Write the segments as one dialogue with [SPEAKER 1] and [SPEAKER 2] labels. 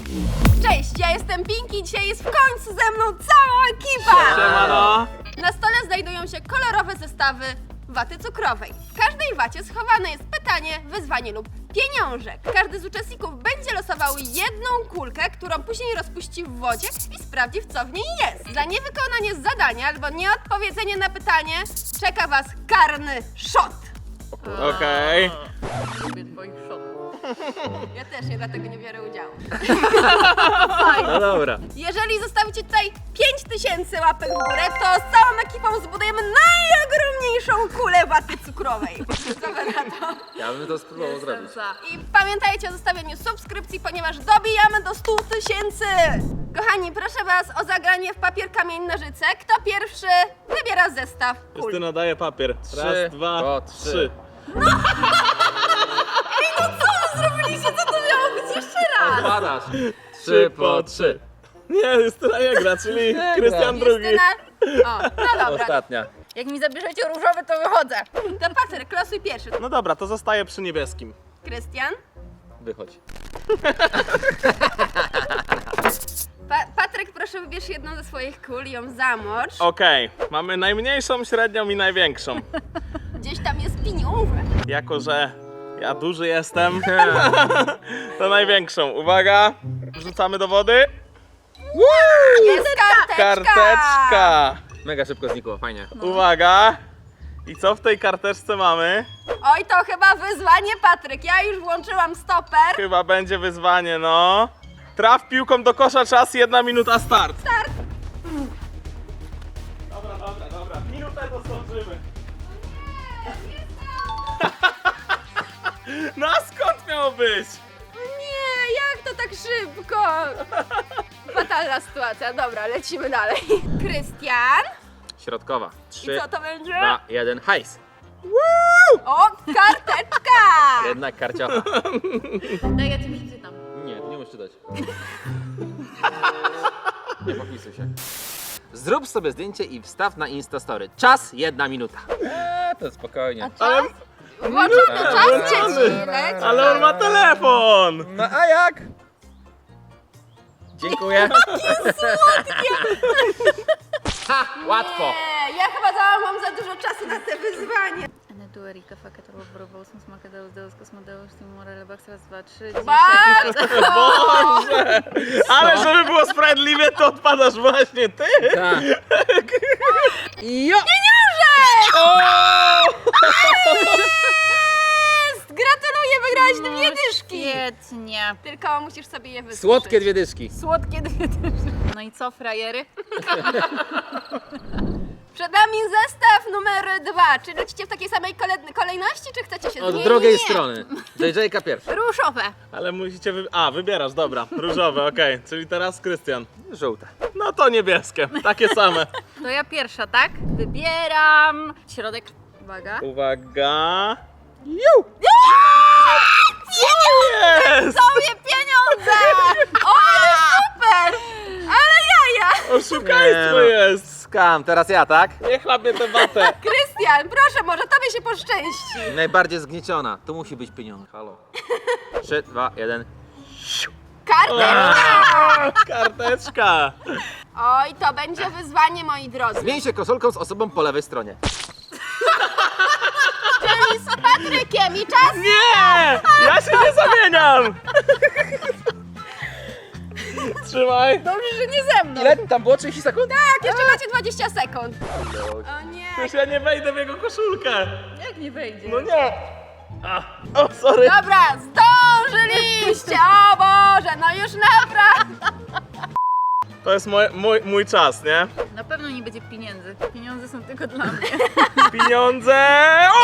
[SPEAKER 1] Cześć, ja jestem Pinki, dzisiaj jest w końcu ze mną cała ekipa!
[SPEAKER 2] Siemano!
[SPEAKER 1] Na stole znajdują się kolorowe zestawy waty cukrowej. W każdej wacie schowane jest pytanie, wyzwanie lub pieniążek. Każdy z uczestników będzie losował jedną kulkę, którą później rozpuści w wodzie i sprawdzi, w co w niej jest. Za niewykonanie zadania albo nieodpowiedzenie na pytanie czeka Was karny szot.
[SPEAKER 2] Okej.
[SPEAKER 3] Lubię twoich shotów.
[SPEAKER 1] Ja też nie, dlatego nie biorę udziału.
[SPEAKER 2] No dobra.
[SPEAKER 1] Jeżeli zostawicie tutaj 5000 łapek w górę, to z całą ekipą zbudujemy najogromniejszą kulę waty cukrowej. Co wy na to?
[SPEAKER 2] Ja bym to spróbował zrobić.
[SPEAKER 3] Jestem za.
[SPEAKER 1] I pamiętajcie o zostawieniu subskrypcji, ponieważ dobijamy do 100 000. Kochani, proszę Was o zagranie w papier, kamień, nożyce. Kto pierwszy wybiera zestaw kul?
[SPEAKER 2] Justyna daje papier.
[SPEAKER 4] Trzy,
[SPEAKER 2] Raz, dwa,
[SPEAKER 4] po
[SPEAKER 2] trzy.
[SPEAKER 1] Zrobiliście, co to miało być jeszcze raz?
[SPEAKER 4] Odpadasz.
[SPEAKER 2] Trzy po trzy. Nie, Justyna nie gra, czyli Krystian drugi.
[SPEAKER 1] Justyna... O, no dobra.
[SPEAKER 4] Ostatnia.
[SPEAKER 3] Jak mi zabierzecie różowy, to wychodzę.
[SPEAKER 1] To Patryk, losuj pierwszy.
[SPEAKER 2] No dobra, to zostaje przy niebieskim.
[SPEAKER 1] Krystian?
[SPEAKER 4] Wychodź.
[SPEAKER 1] Patryk, proszę wybierz jedną ze swoich kul i ją zamocz.
[SPEAKER 2] Okej, mamy najmniejszą, średnią i największą.
[SPEAKER 1] Gdzieś tam jest pieniążek.
[SPEAKER 2] Jako, że ja duży jestem, to największą. Uwaga, wrzucamy do wody.
[SPEAKER 1] Jest karteczka!
[SPEAKER 2] Karteczka.
[SPEAKER 4] Mega szybko znikło, fajnie.
[SPEAKER 2] Uwaga. I co w tej karteczce mamy?
[SPEAKER 1] Oj, to chyba wyzwanie, Patryk. Ja już włączyłam stoper.
[SPEAKER 2] Chyba będzie wyzwanie, no. Traf piłką do kosza, czas 1 minuta, start.
[SPEAKER 1] Start.
[SPEAKER 2] Dobra. Minutę to zdążymy. No a skąd miało być?
[SPEAKER 1] Nie, jak to tak szybko? Fatalna sytuacja. Dobra, lecimy dalej. Krystian.
[SPEAKER 4] Środkowa.
[SPEAKER 1] I
[SPEAKER 4] 3,
[SPEAKER 1] co to będzie?
[SPEAKER 4] 2, 1, hajs.
[SPEAKER 1] O, karteczka!
[SPEAKER 4] Jednak karciocha.
[SPEAKER 3] Daj, ja ci przeczytam.
[SPEAKER 4] Nie, ty nie musisz czytać. Nie popisuj się. Zrób sobie zdjęcie i wstaw na Instastory. Czas 1 minuta. To spokojnie.
[SPEAKER 2] Ale,
[SPEAKER 1] Włączony czas,
[SPEAKER 2] włączony.
[SPEAKER 1] dzieci. Leci.
[SPEAKER 2] ale on ma telefon.
[SPEAKER 4] No a jak? Dziękuję. Ha, łatwo.
[SPEAKER 1] Nie, ja chyba mam za dużo czasu na te wyzwanie.
[SPEAKER 3] Enetu, Erika, Fakatowo, Borobosum, Smakadeus, Deus, Kosmodeus, Timore, Lebax, raz, dwa, trzy,
[SPEAKER 1] Bardzo!
[SPEAKER 2] Boże. Ale żeby było sprawiedliwie, to odpadasz właśnie ty.
[SPEAKER 4] Tak.
[SPEAKER 3] Jo!
[SPEAKER 1] Gratuluję, wygrałaś 2 dyszki.
[SPEAKER 3] Świetnie.
[SPEAKER 1] Tylko musisz sobie je wysuszyć.
[SPEAKER 4] Słodkie 2 dyszki.
[SPEAKER 1] Słodkie 2 dyszki.
[SPEAKER 3] No i co, frajery?
[SPEAKER 1] Przed nami zestaw numer 2. Czy lecicie w takiej samej kolejności, czy chcecie się
[SPEAKER 4] Od
[SPEAKER 1] zmienić?
[SPEAKER 4] drugiej strony. JJ-ka pierwsza.
[SPEAKER 3] Różowe.
[SPEAKER 2] Ale musicie wybierasz, dobra. Różowe, okej. Czyli teraz Krystian.
[SPEAKER 4] Żółte.
[SPEAKER 2] No to niebieskie, takie same.
[SPEAKER 3] To ja pierwsza, tak? Wybieram środek. Uwaga.
[SPEAKER 2] Uwaga.
[SPEAKER 1] Pieniądze! Sobie pieniądze! O, ale super! Ale jaja!
[SPEAKER 2] Oszukaństwo jest.
[SPEAKER 4] Skam, teraz ja, tak?
[SPEAKER 2] Nie chlapie tę watę.
[SPEAKER 1] Krystian, proszę, może tobie się poszczęści.
[SPEAKER 4] Najbardziej zgnieciona. Tu musi być pieniądz. Halo. 3, 2, 1.
[SPEAKER 1] Karteczka!
[SPEAKER 2] Karteczka.
[SPEAKER 1] Oj, to będzie wyzwanie, moi drodzy.
[SPEAKER 4] Zmień się koszulką z osobą po lewej stronie.
[SPEAKER 1] Czyli z Patrykiem i czas...
[SPEAKER 2] Nie! Ja się nie zamieniam. Trzymaj.
[SPEAKER 3] Dobrze, że nie ze mną.
[SPEAKER 4] Ile tam było? 30 sekund?
[SPEAKER 1] Tak, jeszcze macie 20 sekund. O nie.
[SPEAKER 2] Przecież ja nie wejdę w jego koszulkę.
[SPEAKER 3] Jak nie wejdzie?
[SPEAKER 2] No nie. O, sorry.
[SPEAKER 1] Dobra, zdążyliście! O Boże, no już naprawdę.
[SPEAKER 2] To jest mój czas, nie?
[SPEAKER 3] Na pewno nie będzie pieniędzy. Pieniądze są tylko dla mnie.
[SPEAKER 2] Pieniądze. O!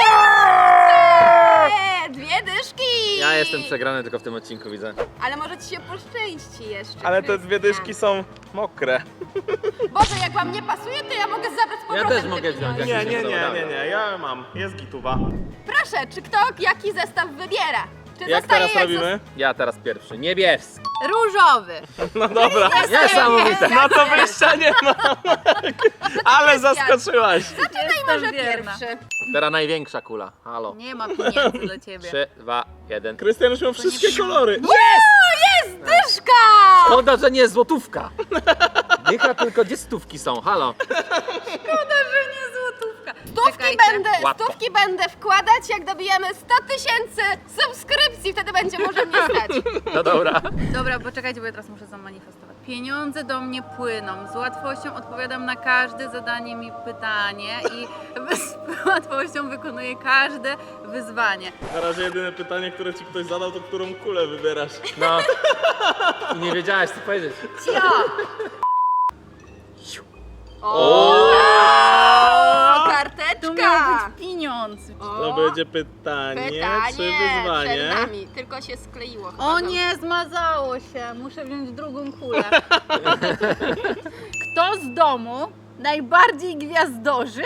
[SPEAKER 1] 2 dyszki!
[SPEAKER 4] Ja jestem przegrany tylko w tym odcinku, widzę.
[SPEAKER 1] Ale może ci się poszczęści jeszcze.
[SPEAKER 2] Ale te 2
[SPEAKER 1] Krystian.
[SPEAKER 2] dyszki są mokre.
[SPEAKER 1] Boże, jak wam nie pasuje, to ja mogę zabrać z powrotem
[SPEAKER 4] też
[SPEAKER 1] te
[SPEAKER 4] mogę wziąć,
[SPEAKER 1] pieniądze.
[SPEAKER 4] jak
[SPEAKER 2] Nie, ja mam. Jest gituwa.
[SPEAKER 1] Proszę, czy kto jaki zestaw wybiera? Czy
[SPEAKER 2] Jak
[SPEAKER 1] zostaje
[SPEAKER 2] teraz robimy?
[SPEAKER 4] Ja teraz pierwszy. Niebieski.
[SPEAKER 3] Różowy.
[SPEAKER 2] No dobra.
[SPEAKER 4] Niesamowite.
[SPEAKER 2] No to wyjścia nie ma. Ale zaskoczyłaś.
[SPEAKER 1] Zaczynaj
[SPEAKER 3] Jestem
[SPEAKER 1] może
[SPEAKER 3] wierna.
[SPEAKER 1] pierwszy.
[SPEAKER 4] Teraz największa kula. Halo.
[SPEAKER 3] Nie ma pieniędzy dla ciebie.
[SPEAKER 4] 3, 2, 1.
[SPEAKER 2] Krystian już miał wszystkie kolory.
[SPEAKER 1] O, jest dyszka!
[SPEAKER 4] Szkoda, że nie złotówka. Dycha, tylko gdzie stówki są? Halo.
[SPEAKER 3] Szkoda, że nie złotówka.
[SPEAKER 1] Stówki będę wkładać, jak dobijemy 100 000 subskrypcji, wtedy będzie może mnie stać.
[SPEAKER 4] No dobra.
[SPEAKER 3] Dobra, poczekajcie, bo ja teraz muszę zamanifestować. Pieniądze do mnie płyną. Z łatwością odpowiadam na każde zadanie mi pytanie i z łatwością wykonuję każde wyzwanie.
[SPEAKER 2] Na razie jedyne pytanie, które ci ktoś zadał, to którą kulę wybierasz.
[SPEAKER 4] No. I nie wiedziałaś co powiedzieć.
[SPEAKER 3] Cio!
[SPEAKER 1] O,
[SPEAKER 3] Tu
[SPEAKER 1] karteczka!
[SPEAKER 3] miał być pieniądz.
[SPEAKER 2] To będzie pytanie, czy
[SPEAKER 1] Pytanie
[SPEAKER 2] wyzwanie?
[SPEAKER 1] przed nami, tylko się skleiło. chyba
[SPEAKER 3] O
[SPEAKER 1] znowu.
[SPEAKER 3] nie, zmazało się. Muszę wziąć drugą kulę. Kto z domu najbardziej gwiazdorzy?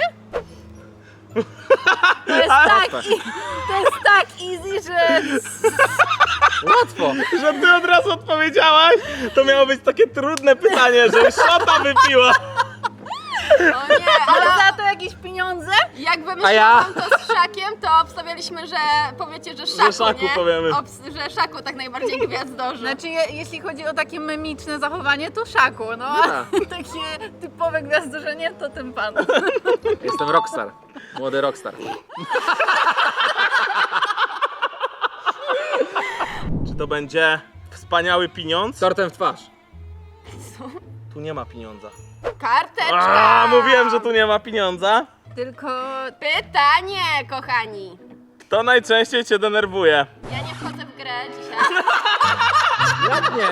[SPEAKER 3] To jest tak easy, że...
[SPEAKER 4] Łatwo.
[SPEAKER 2] Że ty od razu odpowiedziałaś? To miało być takie trudne pytanie, że szota wypiła.
[SPEAKER 1] O nie,
[SPEAKER 3] Ale
[SPEAKER 1] ale
[SPEAKER 3] za to jakieś pieniądze?
[SPEAKER 1] jak
[SPEAKER 4] A
[SPEAKER 1] wymyślałam
[SPEAKER 4] ja?
[SPEAKER 1] to z Szakiem, to obstawialiśmy, że powiecie, że Szaku,
[SPEAKER 2] Szaku
[SPEAKER 1] nie?
[SPEAKER 2] powiemy.
[SPEAKER 1] Że Szaku tak najbardziej gwiazdorzy.
[SPEAKER 3] Znaczy, jeśli chodzi o takie memiczne zachowanie, to Szaku, no.
[SPEAKER 4] Dobra.
[SPEAKER 3] Takie typowe gwiazdorzenie, to ten pan.
[SPEAKER 4] Jestem rockstar. Młody rockstar.
[SPEAKER 2] Czy to będzie wspaniały pieniądz?
[SPEAKER 4] Tortem w twarz.
[SPEAKER 2] Tu nie ma pieniądza.
[SPEAKER 1] Karteczka!
[SPEAKER 2] Mówiłem, że tu nie ma pieniądza.
[SPEAKER 3] Tylko...
[SPEAKER 1] Pytanie, kochani.
[SPEAKER 2] Kto najczęściej cię denerwuje?
[SPEAKER 1] Ja nie wchodzę w grę dzisiaj.
[SPEAKER 4] Jak nie?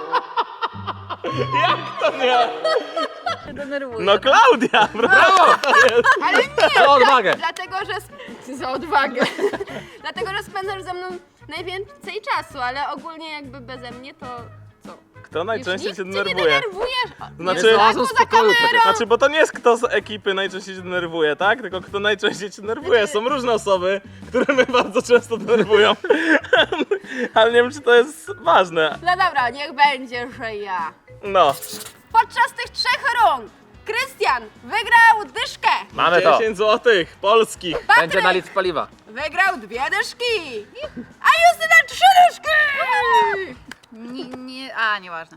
[SPEAKER 2] Jak to nie?
[SPEAKER 3] się denerwuję.
[SPEAKER 2] No Klaudia, brawo!
[SPEAKER 1] Ale nie!
[SPEAKER 4] Za odwagę.
[SPEAKER 1] Dlatego, że... Za odwagę. Dlatego, że spędzasz ze mną najwięcej czasu, ale ogólnie jakby beze mnie to... Co?
[SPEAKER 2] Kto najczęściej
[SPEAKER 1] Już
[SPEAKER 2] cię
[SPEAKER 1] nikt cię nie
[SPEAKER 2] denerwuje?
[SPEAKER 1] denerwujesz?
[SPEAKER 2] Znaczy-
[SPEAKER 1] Nie
[SPEAKER 4] Znalazłem
[SPEAKER 1] Szaku
[SPEAKER 4] w spokoju przecież.
[SPEAKER 2] Znaczy, bo to nie jest kto z ekipy najczęściej cię denerwuje, tak? Tylko kto najczęściej cię denerwuje. Są różne osoby, które mnie bardzo często denerwują. Ale nie wiem, czy to jest ważne.
[SPEAKER 1] No dobra, niech będzie, że ja.
[SPEAKER 2] No.
[SPEAKER 1] Podczas tych 3 rund Krystian wygrał dyszkę.
[SPEAKER 4] Mamy to.
[SPEAKER 2] 10 złotych polskich.
[SPEAKER 4] Będzie
[SPEAKER 1] Patryk
[SPEAKER 4] na litr paliwa.
[SPEAKER 1] wygrał 2 dyszki. A Justyna 3 dyszki.
[SPEAKER 3] Nieważne.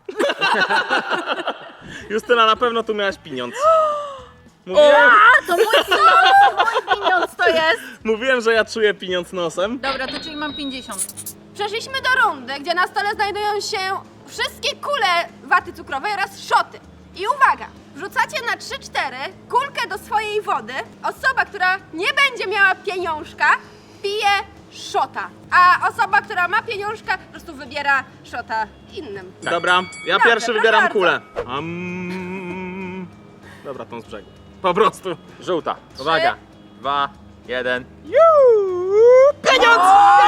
[SPEAKER 2] Justyna, na pewno tu miałaś pieniądz. Mówiłem,
[SPEAKER 3] To mój pieniądz to jest.
[SPEAKER 2] mówiłem, że ja czuję pieniądz nosem.
[SPEAKER 3] Dobra, to czyli mam 50.
[SPEAKER 1] Przeszliśmy do rundy, gdzie na stole znajdują się wszystkie kule waty cukrowej oraz szoty. I uwaga, wrzucacie na 3-4 kulkę do swojej wody. Osoba, która nie będzie miała pieniążka, pije szota. A osoba, która ma pieniążka, po prostu wybiera szota innym.
[SPEAKER 2] Dobra, ja
[SPEAKER 1] Dobrze,
[SPEAKER 2] pierwszy
[SPEAKER 1] proszę
[SPEAKER 2] wybieram
[SPEAKER 1] bardzo.
[SPEAKER 2] kulę. Dobra, tą z brzegu. Po prostu.
[SPEAKER 4] Żółta. Uwaga. 2, 1.
[SPEAKER 2] Pieniądz!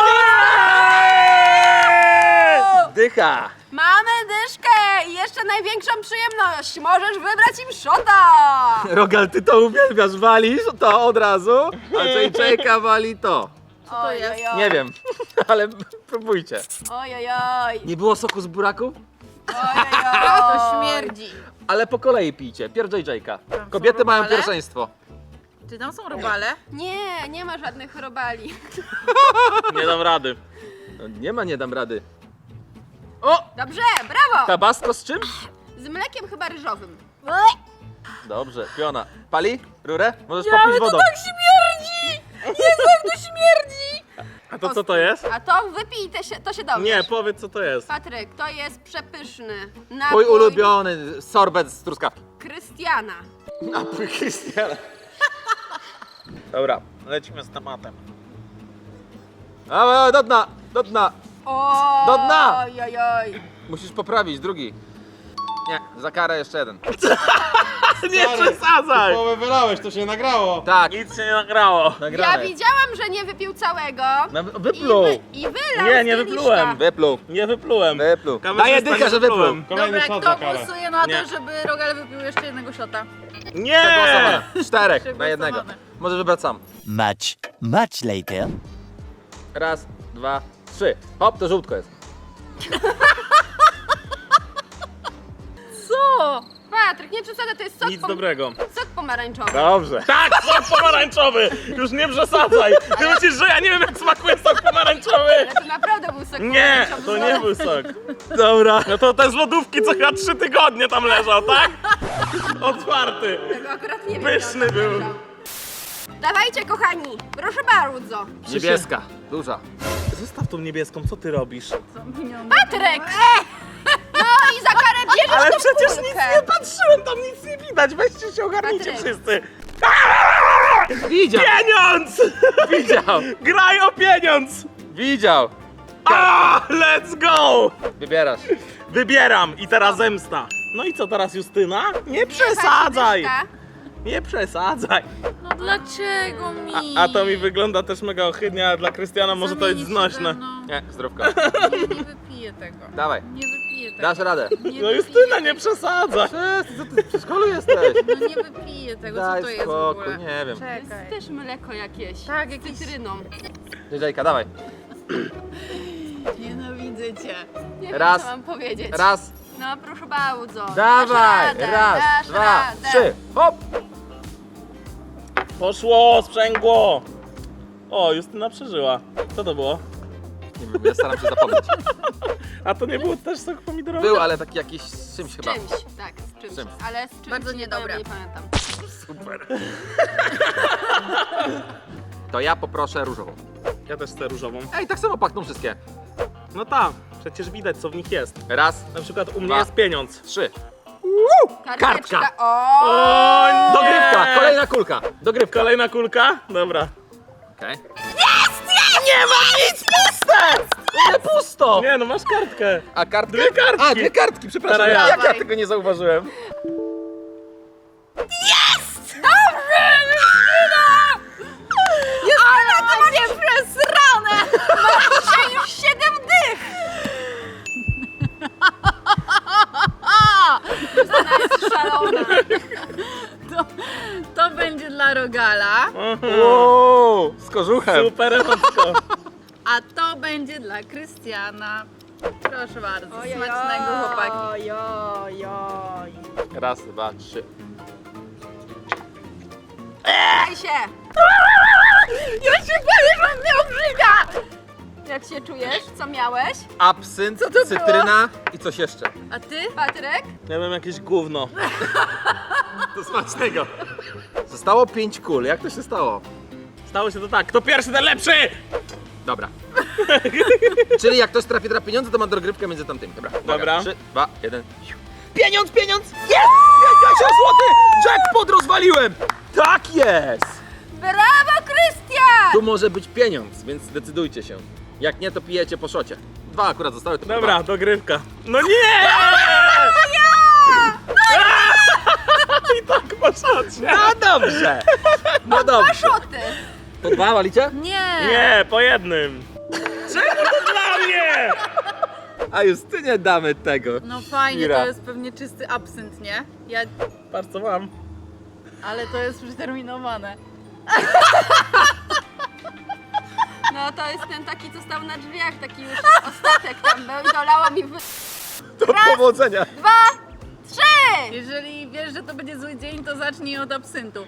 [SPEAKER 4] Dycha.
[SPEAKER 1] Mamy dyszkę i jeszcze największą przyjemność. Możesz wybrać im szota.
[SPEAKER 4] Rogal, ty to uwielbiasz. Walisz to od razu, a JJ-ka wali to.
[SPEAKER 3] Co to jest?
[SPEAKER 4] Nie wiem, ale próbujcie.
[SPEAKER 1] Ojojoj.
[SPEAKER 4] Nie było soku z buraków?
[SPEAKER 3] To śmierdzi.
[SPEAKER 4] Ale po kolei pijcie. Pierw JJ-ka.
[SPEAKER 3] Tam są
[SPEAKER 4] Kobiety mają
[SPEAKER 3] robale?
[SPEAKER 4] pierwszeństwo.
[SPEAKER 3] Czy tam są robale?
[SPEAKER 1] Nie, nie ma żadnych robali.
[SPEAKER 2] Nie dam rady.
[SPEAKER 4] No, nie ma, nie dam rady. O!
[SPEAKER 1] Dobrze, brawo.
[SPEAKER 4] Tabasco z czym?
[SPEAKER 1] Z mlekiem chyba ryżowym.
[SPEAKER 4] Dobrze, piona. Pali? Rurę? Możesz popić wodą.
[SPEAKER 3] śmierdzi! Jezu, jak to śmierdzi!
[SPEAKER 2] A to co to jest?
[SPEAKER 1] A to wypij, to się dowiesz.
[SPEAKER 2] Nie, powiedz co to jest.
[SPEAKER 1] Patryk, to jest przepyszny
[SPEAKER 4] Twój
[SPEAKER 1] napój
[SPEAKER 4] ulubiony sorbet z truskawki.
[SPEAKER 1] Krystiana.
[SPEAKER 4] Napój Krystiana.
[SPEAKER 2] Dobra, lecimy z tematem.
[SPEAKER 4] A, do dna, do dna.
[SPEAKER 1] O,
[SPEAKER 4] Do dna!
[SPEAKER 1] Ojojoj.
[SPEAKER 4] Musisz poprawić, drugi. Nie, za karę jeszcze jeden.
[SPEAKER 2] Nie przesadzaj!
[SPEAKER 5] Połowę wylałeś, to się nagrało.
[SPEAKER 4] Tak,
[SPEAKER 2] Nic się nie nagrało.
[SPEAKER 1] Ja
[SPEAKER 4] nagrane.
[SPEAKER 1] widziałam, że nie wypił całego.
[SPEAKER 4] No, wypluł.
[SPEAKER 1] I wylał
[SPEAKER 2] Nie,
[SPEAKER 1] z
[SPEAKER 2] nie
[SPEAKER 1] kieliszka.
[SPEAKER 2] wyplułem.
[SPEAKER 4] Wypluł.
[SPEAKER 2] Nie wyplułem.
[SPEAKER 4] Wypluł.
[SPEAKER 2] Kamerzysta,
[SPEAKER 4] Daję dychę,
[SPEAKER 2] nie
[SPEAKER 4] że wypluł.
[SPEAKER 5] Kolejny
[SPEAKER 3] Dobra,
[SPEAKER 5] shot za
[SPEAKER 3] kto
[SPEAKER 5] karę.
[SPEAKER 3] głosuje na
[SPEAKER 2] Nie.
[SPEAKER 3] to, żeby Rogal wypił jeszcze jednego shota?
[SPEAKER 2] Nie!
[SPEAKER 4] Przegłosowane. 4 na
[SPEAKER 3] Przegłosowane.
[SPEAKER 4] jednego. Możesz wybrać sam.
[SPEAKER 6] Much later.
[SPEAKER 4] Raz, 2, 3. Hop, to żółtko jest.
[SPEAKER 3] Co?
[SPEAKER 1] Patryk, nie przesadzaj, to jest sok,
[SPEAKER 2] Nic dobrego.
[SPEAKER 1] sok pomarańczowy.
[SPEAKER 2] Dobrze. Tak, sok pomarańczowy! Już nie przesadzaj! Ty myślisz, że ja nie wiem, jak smakuje sok pomarańczowy?
[SPEAKER 1] Ale to naprawdę był sok
[SPEAKER 2] Nie,
[SPEAKER 1] pomarańczowy.
[SPEAKER 2] to nie był sok. Dobra. No to ten z lodówki, co chyba 3 tygodnie tam leżał, tak? Otwarty.
[SPEAKER 1] Tego akurat nie wiem.
[SPEAKER 2] Pyszny
[SPEAKER 1] jak on
[SPEAKER 2] był.
[SPEAKER 1] leżał. Dawajcie, kochani, proszę bardzo.
[SPEAKER 4] Niebieska, duża.
[SPEAKER 2] Zostaw tą niebieską, co ty robisz?
[SPEAKER 1] Patryk! No i za karę bierzesz
[SPEAKER 2] Ale
[SPEAKER 1] tą
[SPEAKER 2] przecież
[SPEAKER 1] kulkę.
[SPEAKER 2] nic nie patrzyłem, tam nic nie widać. Weźcie się, ogarnijcie
[SPEAKER 1] Patryk.
[SPEAKER 2] wszyscy.
[SPEAKER 4] Widział!
[SPEAKER 2] Pieniądz!
[SPEAKER 4] Widział!
[SPEAKER 2] Graj o pieniądz!
[SPEAKER 4] Widział!
[SPEAKER 2] Let's go!
[SPEAKER 4] Wybierasz.
[SPEAKER 2] Wybieram i teraz zemsta. No i co teraz, Justyna? Nie przesadzaj!
[SPEAKER 1] Dyszka.
[SPEAKER 2] Nie przesadzaj.
[SPEAKER 3] No dlaczego mi?
[SPEAKER 2] A to mi wygląda też mega ohydnie, a dla Krystiana może to jest
[SPEAKER 3] Zamienić się
[SPEAKER 2] znośne.
[SPEAKER 3] ze mną.
[SPEAKER 4] Nie, zdrówko.
[SPEAKER 3] Nie wypiję tego.
[SPEAKER 4] Dawaj.
[SPEAKER 3] Nie wypiję tego.
[SPEAKER 4] Dasz radę.
[SPEAKER 3] Nie
[SPEAKER 2] No
[SPEAKER 3] wypiję
[SPEAKER 2] Justyna, nie
[SPEAKER 3] tego.
[SPEAKER 2] przesadzaj.
[SPEAKER 4] Co ty w przedszkolu jesteś?
[SPEAKER 3] No nie wypiję tego, co
[SPEAKER 4] Daj
[SPEAKER 3] to jest w
[SPEAKER 4] spokój,
[SPEAKER 3] ogóle?
[SPEAKER 4] nie wiem.
[SPEAKER 1] To jest
[SPEAKER 3] Czekaj.
[SPEAKER 1] też mleko jakieś.
[SPEAKER 3] Tak,
[SPEAKER 1] Z
[SPEAKER 3] jakieś...
[SPEAKER 1] cytryną.
[SPEAKER 4] Dziedzejka, dawaj.
[SPEAKER 3] Nienawidzę cię.
[SPEAKER 1] Nie wiem,
[SPEAKER 4] Raz.
[SPEAKER 1] co mam powiedzieć.
[SPEAKER 4] Raz,
[SPEAKER 1] No proszę bardzo.
[SPEAKER 4] dawaj,
[SPEAKER 1] Dasz radę,
[SPEAKER 4] raz,
[SPEAKER 1] dasz
[SPEAKER 4] dwa,
[SPEAKER 1] radę.
[SPEAKER 4] 3, hop!
[SPEAKER 2] Poszło, sprzęgło. O, Justyna przeżyła. Co to było?
[SPEAKER 4] Nie wiem, ja staram się zapomnieć.
[SPEAKER 2] A to nie był też sok pomidorowy?
[SPEAKER 4] Był, ale taki jakiś z czymś chyba.
[SPEAKER 1] Czymś, tak, z czymś.
[SPEAKER 4] Z czymś.
[SPEAKER 1] Ale z czymś
[SPEAKER 3] Bardzo
[SPEAKER 1] nie
[SPEAKER 3] niedobre.
[SPEAKER 1] powiem, nie pamiętam.
[SPEAKER 2] Super.
[SPEAKER 4] To ja poproszę różową.
[SPEAKER 2] Ja też chcę różową.
[SPEAKER 4] Ej, tak samo pachną wszystkie.
[SPEAKER 2] No tak, przecież widać, co w nich jest.
[SPEAKER 4] Raz,
[SPEAKER 2] Na przykład u mnie
[SPEAKER 4] Dwa.
[SPEAKER 2] jest pieniądz.
[SPEAKER 4] 3.
[SPEAKER 1] Karteczka.
[SPEAKER 2] Kartka.
[SPEAKER 1] O!
[SPEAKER 2] nie!
[SPEAKER 4] Dogrywka, kolejna kulka. Dogrywka.
[SPEAKER 2] Kolejna kulka? Dobra.
[SPEAKER 4] Okej.
[SPEAKER 2] Nie ma nic puste!
[SPEAKER 4] Nie pusto!
[SPEAKER 2] Nie, no masz kartkę.
[SPEAKER 4] A kartkę?
[SPEAKER 2] Dwie kartki.
[SPEAKER 4] A, dwie kartki, przepraszam.
[SPEAKER 2] Teraz ja.
[SPEAKER 4] Jak ja
[SPEAKER 1] Dawaj.
[SPEAKER 4] tego nie zauważyłem?
[SPEAKER 1] Ale to macie przesrane! Masz dzisiaj już 7 dych! Justyna jest szalona.
[SPEAKER 3] To będzie dla Rogala,
[SPEAKER 4] Wow, z kożuchem.
[SPEAKER 2] Super emocko.
[SPEAKER 3] a to będzie dla Krystiana. Proszę bardzo, smacznego chłopaki.
[SPEAKER 1] Ojoj.
[SPEAKER 4] Raz, dwa, 3.
[SPEAKER 1] Daj się! Ja się boję, że mnie obrzyga! Jak się czujesz? Co miałeś?
[SPEAKER 4] Absynt,
[SPEAKER 1] Co to było?
[SPEAKER 4] cytryna i coś jeszcze.
[SPEAKER 3] A ty?
[SPEAKER 1] Patryk?
[SPEAKER 2] Ja wiem, jakieś gówno.
[SPEAKER 4] Do smacznego. Zostało 5 kul, jak to się stało?
[SPEAKER 2] Stało się to tak, kto pierwszy, ten lepszy!
[SPEAKER 4] Dobra. Czyli jak ktoś trafi na pieniądze, to ma dogrywkę między tamtymi. Dobra.
[SPEAKER 2] Dobra.
[SPEAKER 4] 3, 2, 1. Pieniądz, pieniądz! Jest! 50 zł! Jackpot rozwaliłem! Tak jest!
[SPEAKER 1] Brawo, Krystian!
[SPEAKER 4] Tu może być pieniądz, więc zdecydujcie się. Jak nie, to pijecie po szocie. 2 akurat zostały, to
[SPEAKER 2] Dobra,
[SPEAKER 4] dwa.
[SPEAKER 2] dogrywka. No nie! I tak po szocie.
[SPEAKER 4] No dobrze! No dobrze.
[SPEAKER 1] Szoty!
[SPEAKER 4] To 2 walicie?
[SPEAKER 3] Nie!
[SPEAKER 2] Nie, po jednym. Czemu to dla mnie?
[SPEAKER 4] A Justynie damy tego.
[SPEAKER 3] No fajnie,
[SPEAKER 4] Ira.
[SPEAKER 3] to jest pewnie czysty absynt, nie? Ja...
[SPEAKER 2] Patrz co mam.
[SPEAKER 3] Ale to jest przeterminowane.
[SPEAKER 1] No to jest ten taki, co stał na drzwiach, taki już ostatek tam był i dolało mi w...
[SPEAKER 4] Do powodzenia.
[SPEAKER 1] 2, 3!
[SPEAKER 3] Jeżeli wiesz, że to będzie zły dzień, to zacznij od absyntu.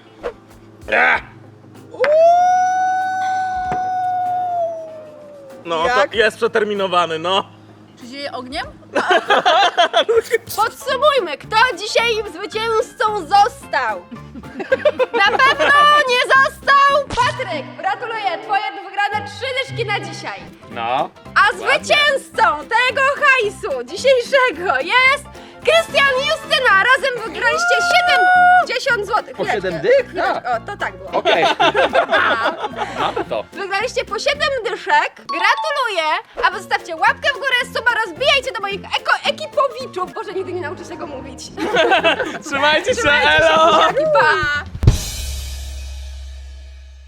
[SPEAKER 2] No,
[SPEAKER 4] Jak?
[SPEAKER 2] to jest przeterminowany, no.
[SPEAKER 3] Czy się je ogniem?
[SPEAKER 1] Podsumujmy, kto dzisiaj zwycięzcą został? Na pewno nie został Patryk! Gratuluję, twoje wygrane 3 dyszki na dzisiaj.
[SPEAKER 2] No.
[SPEAKER 1] A zwycięzcą tego hajsu dzisiejszego jest Krystian i Justyna. Razem wygraliście 70 zł.
[SPEAKER 4] Po 7 dych?
[SPEAKER 1] O, to tak było.
[SPEAKER 4] Okej. Mamy to.
[SPEAKER 1] Wygraliście po 7 dyszek. Gratuluję! A wy zostawcie łapkę w górę, suba, rozbijajcie do moich ekipowiczów. Boże, nigdy nie nauczę się tego mówić.
[SPEAKER 2] Trzymajcie się,
[SPEAKER 1] Trzymajcie się,
[SPEAKER 2] elo!
[SPEAKER 1] buziaki, pa!